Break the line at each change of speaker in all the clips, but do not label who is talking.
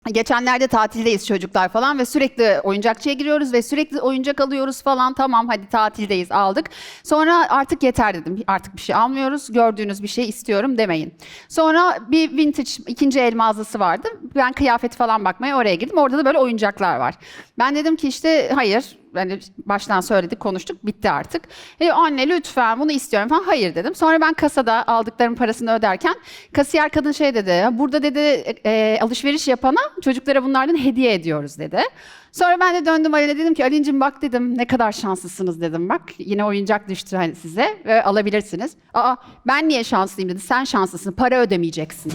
Geçenlerde tatildeyiz çocuklar falan ve sürekli oyuncakçıya giriyoruz ve sürekli oyuncak alıyoruz falan. Tamam hadi tatildeyiz, aldık. Sonra artık yeter dedim. Artık bir şey almıyoruz. Gördüğünüz bir şey istiyorum demeyin. Sonra bir vintage ikinci el mağazası vardı. Ben kıyafet falan bakmaya oraya girdim. Orada da böyle oyuncaklar var. Ben dedim ki işte hayır. Yani baştan söyledik, konuştuk, bitti artık. Anne lütfen bunu istiyorum falan. Hayır dedim. Sonra ben kasada aldıklarım parasını öderken kasiyer kadın şey dedi. Burada dedi alışveriş yapana çocuklara bunlardan hediye ediyoruz dedi. Sonra ben de döndüm Ali'ne dedim ki Ali'cim bak dedim ne kadar şanslısınız dedim. Bak yine oyuncak düştü hani size ve alabilirsiniz. Aa ben niye şanslıyım dedi. Sen şanslısın, para ödemeyeceksin.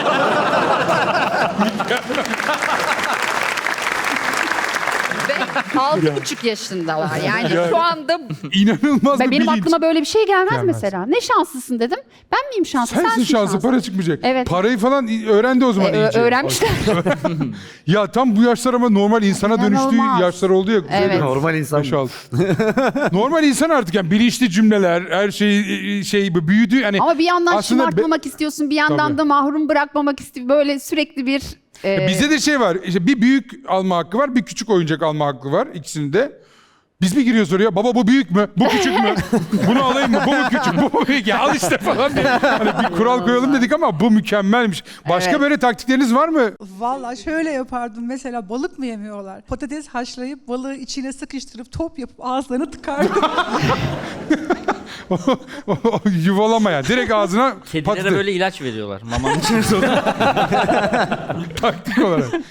6,5 yaşındalar yani şu anda
İnanılmaz bir
benim
bilinç.
aklıma böyle bir şey gelmez
Gelmez.
mesela. Ne şanslısın dedim. Ben miyim şanslı?
Sensin şanslı, para çıkmayacak.
Evet.
Parayı falan öğrendi o zaman iyice.
Öğrenmişler.
Ya tam bu yaşlar ama normal insana dönüştüğü
İnanılmaz.
yaşlar oldu ya.
Evet.
Normal insan.
5-6. Normal insan artık yani bilinçli cümleler, her şey büyüdü. Yani
Ama bir yandan
aslında
şımartmamak istiyorsun, bir yandan
Tabii.
da mahrum bırakmamak istiyorsun. Böyle sürekli bir...
Bizde de şey var. İşte bir büyük alma hakkı var, bir küçük oyuncak alma hakkı var ikisinde. Biz mi giriyoruz oraya? Baba bu büyük mü? Bu küçük mü? Bunu alayım mı? Bu mu küçük? Bu mu büyük? Ya al işte falan diye. Hani bir kural koyalım dedik ama bu mükemmelmiş. Başka
Evet.
böyle taktikleriniz var mı?
Vallahi şöyle yapardım mesela balık mı yemiyorlar? Patates haşlayıp balığı içine sıkıştırıp top yapıp ağızlarına tıkardım.
Yuvalama yani. Direkt ağzına
Kedilere
patates.
böyle ilaç veriyorlar. Mamanın içine
Taktik olarak.